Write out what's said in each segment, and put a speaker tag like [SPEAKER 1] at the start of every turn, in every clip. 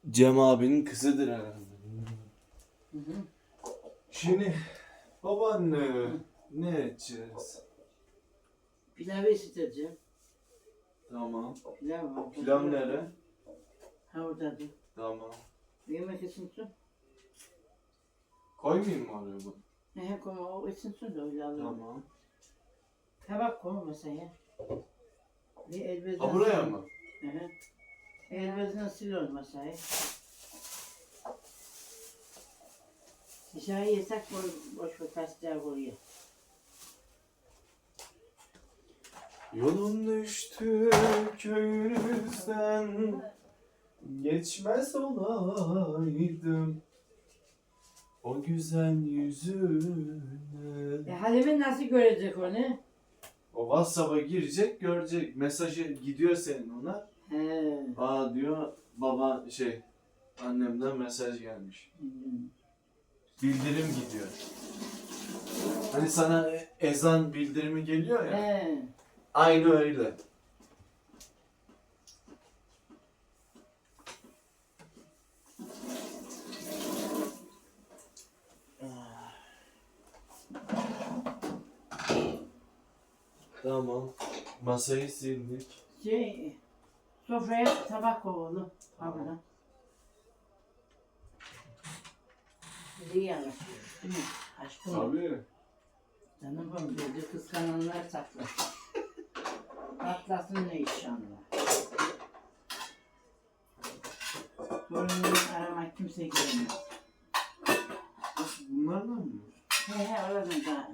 [SPEAKER 1] Cem abinin kızıdır herhalde.
[SPEAKER 2] Hı hı.
[SPEAKER 1] Şimdi babaanne ne edeceğiz?
[SPEAKER 2] Pilavı ısıtacağım.
[SPEAKER 1] Tamam.
[SPEAKER 2] Pilav var.
[SPEAKER 1] Pilav nere?
[SPEAKER 2] Ha oradadır.
[SPEAKER 1] Tamam.
[SPEAKER 2] Yemek ısınsın.
[SPEAKER 1] Koymayayım mı oraya bu?
[SPEAKER 2] He koyma o ısınsın da öyle alırım.
[SPEAKER 1] Tamam.
[SPEAKER 2] Tabak koy masaya. Bir elbezden
[SPEAKER 1] Ha buraya mı?
[SPEAKER 2] Hı hı. Elbezden sil ol masayı. Dışarı yesek boş ver taşlar koyuyor.
[SPEAKER 1] Yolun düştü köyünüzden, geçmez olaydım o güzel yüzüne.
[SPEAKER 2] Halime nasıl görecek onu?
[SPEAKER 1] O WhatsApp'a girecek, görecek. Mesajı gidiyor senin ona.
[SPEAKER 2] He.
[SPEAKER 1] Aa diyor, baba annemden mesaj gelmiş.
[SPEAKER 2] Hı.
[SPEAKER 1] Bildirim gidiyor. Hani sana ezan bildirimi geliyor ya.
[SPEAKER 2] He.
[SPEAKER 1] Aynı öyle. Tamam. Masayı sildik.
[SPEAKER 2] Sofraya tabak koy oğlum. Abla. İyi anlaşıyoruz değil mi? Aşkım.
[SPEAKER 1] Tabii.
[SPEAKER 2] Canım benim dedi kıskananlar saklar. Patlasın ne inşallah. Torunumu aramak kimse gelmez.
[SPEAKER 1] Nasıl, bunlardan mı?
[SPEAKER 2] He oradan da.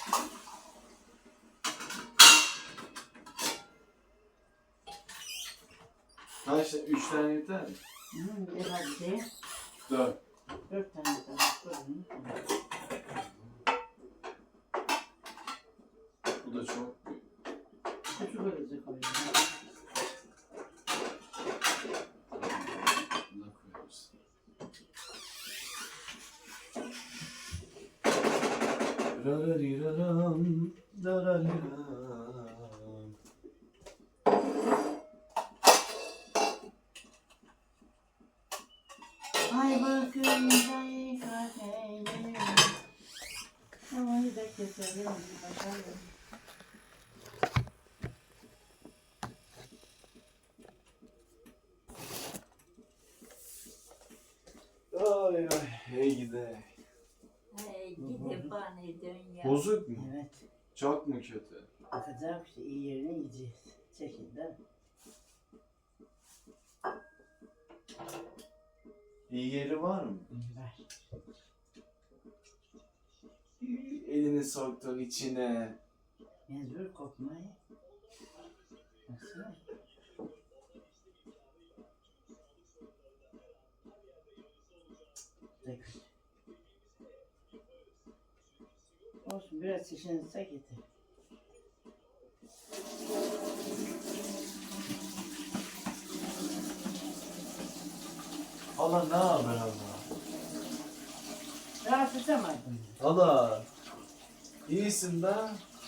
[SPEAKER 1] Ha işte 3 tane yeter mi?
[SPEAKER 2] Bir de hadi de
[SPEAKER 1] 4.
[SPEAKER 2] 4 tane tabak koyun.
[SPEAKER 1] Bu da çok büyük.
[SPEAKER 2] Küçük ölüzü koyun.
[SPEAKER 1] Buna koyarız. Rarariraram, darariram.
[SPEAKER 2] Ay bakınca kahveyle. Havayı da keselim. Bakalım.
[SPEAKER 1] Ay ay, hey gide.
[SPEAKER 3] Hey, gidip bana dön ya.
[SPEAKER 1] Bozuk mu?
[SPEAKER 2] Evet.
[SPEAKER 1] Çok mu kötü?
[SPEAKER 2] Bakacağım işte iyi yerini yiyeceğiz. Şekilde.
[SPEAKER 1] İyi yeri var mı?
[SPEAKER 2] Var.
[SPEAKER 1] Elini soktun içine.
[SPEAKER 2] Mecbur kopmayı. Baksana. Dök. Olsun biraz şişinirse getir.
[SPEAKER 1] Hala ne haber hala?
[SPEAKER 2] Rahatsız etmedim.
[SPEAKER 1] Hala. İyisin de.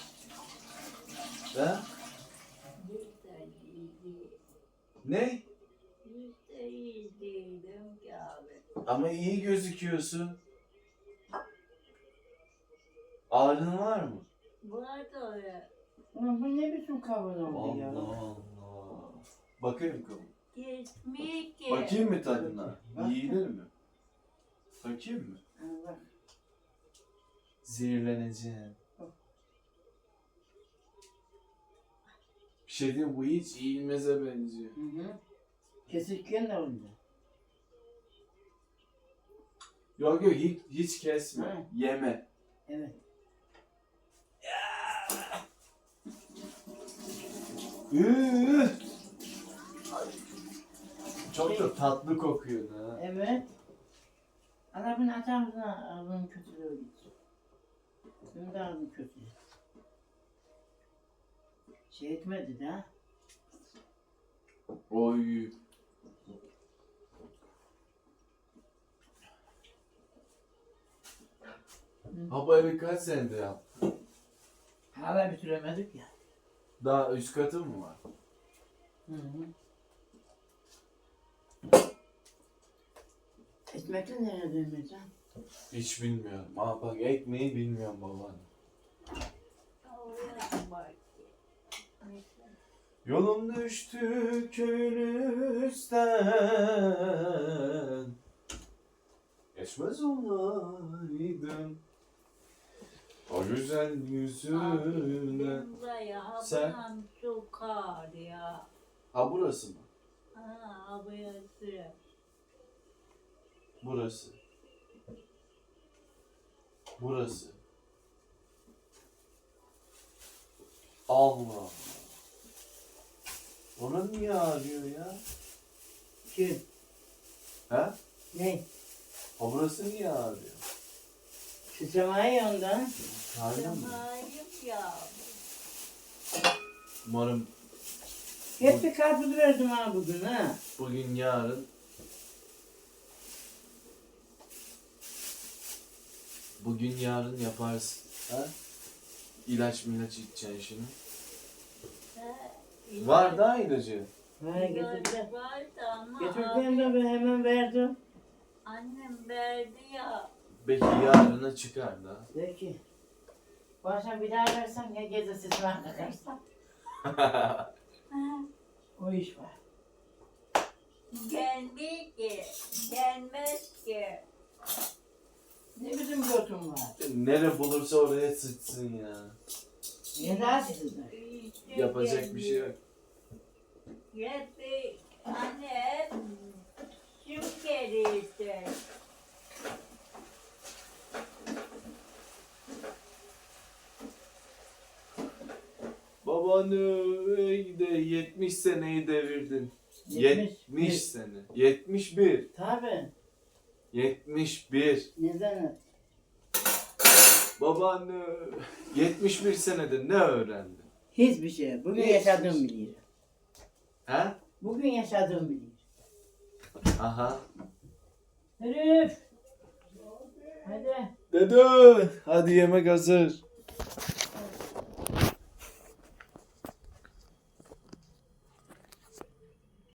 [SPEAKER 1] He?
[SPEAKER 3] Yüzde iyiydi.
[SPEAKER 1] Ne?
[SPEAKER 3] Yüzde iyiydim ki abi.
[SPEAKER 1] Ama iyi gözüküyorsun. Ağrın var mı?
[SPEAKER 3] Var da öyle.
[SPEAKER 2] Ulan bu ne biçim kavun oldu ya?
[SPEAKER 1] Allah Allah. Bakayım kavun.
[SPEAKER 3] Geçmiyor ki.
[SPEAKER 1] Bakayım mı tadına?
[SPEAKER 2] Bak.
[SPEAKER 1] Yiyilir mi? Bakayım mı?
[SPEAKER 2] Allah.
[SPEAKER 1] Zehirleneceğim. Bir şey diyeyim, bu hiç yiyilmeze benziyor.
[SPEAKER 2] Hı hı. Kesirken de oldu.
[SPEAKER 1] Yok yok, hiç kesme.
[SPEAKER 2] Ha.
[SPEAKER 1] Yeme.
[SPEAKER 2] Evet.
[SPEAKER 1] Üh! Çok da tatlı kokuyor ha.
[SPEAKER 2] Evet. Adamın atamızına ağzının kötülüğü gitti. Benim de ağzım kötü. Şey etmedi de.
[SPEAKER 1] Oy. Ha bu evi kaç senede yaptın?
[SPEAKER 2] Hala bitiremedik ya.
[SPEAKER 1] Daha üst katı mı var?
[SPEAKER 2] Hı hı. Ekmekle nereye dönmeyeceksin?
[SPEAKER 1] Hiç bilmiyorum. Aa bak ekmeği bilmiyorum babaanne.
[SPEAKER 3] Oraya bak.
[SPEAKER 1] Yolum düştü köyün üstten. Geçmez olaydım o güzel yüzüne.
[SPEAKER 3] Benim bayağı
[SPEAKER 1] Sen-
[SPEAKER 3] buram sokar ya.
[SPEAKER 1] Ha burası mı?
[SPEAKER 3] Ha burası.
[SPEAKER 1] Burası. Burası. Allah Allah. Ona niye ağrıyor ya?
[SPEAKER 2] Kim?
[SPEAKER 1] He?
[SPEAKER 2] Ne?
[SPEAKER 1] O burası niye ağrıyor?
[SPEAKER 2] Sıçramayı ya ondan.
[SPEAKER 1] Karnım mı?
[SPEAKER 3] Zamayım ya.
[SPEAKER 1] Umarım
[SPEAKER 2] Hep bir karpuz verdim ha bugün ha.
[SPEAKER 1] bugün yarın yaparsın. Ha? İlaç içeceksin şimdi.
[SPEAKER 3] Ha,
[SPEAKER 1] Var da ilacı.
[SPEAKER 2] Ha getirdiler.
[SPEAKER 3] Vardı ama
[SPEAKER 2] Getirdim de ben hemen verdim.
[SPEAKER 3] annem verdi ya.
[SPEAKER 1] Belki yarına çıkar da.
[SPEAKER 2] De ki. Bu akşam bir daha versen ya gece sesime kakarsam.
[SPEAKER 3] Ha,
[SPEAKER 2] O iş var.
[SPEAKER 3] gelmez ki. Gelmez ki.
[SPEAKER 2] Ne bizim götüm var.
[SPEAKER 1] Nere bulursa oraya sıçsın ya.
[SPEAKER 2] Niye daha sizler?
[SPEAKER 3] İşte
[SPEAKER 1] Yapacak bir şey yok.
[SPEAKER 3] Yetti. Anne şu kerisi.
[SPEAKER 1] Babanı de 70 seneyi devirdin.
[SPEAKER 2] 70
[SPEAKER 1] 70 sene. 71.
[SPEAKER 2] Tabii.
[SPEAKER 1] 71.
[SPEAKER 2] Neden?
[SPEAKER 1] Babaanne 71 senede ne öğrendin?
[SPEAKER 2] Hiçbir şey. Bugün
[SPEAKER 1] Hiçbir
[SPEAKER 2] yaşadığım
[SPEAKER 1] şey.
[SPEAKER 2] biliyor.
[SPEAKER 1] He?
[SPEAKER 2] Bugün yaşadığım biliyor.
[SPEAKER 1] Aha.
[SPEAKER 2] Herif. Hadi.
[SPEAKER 1] Dede hadi yemek hazır.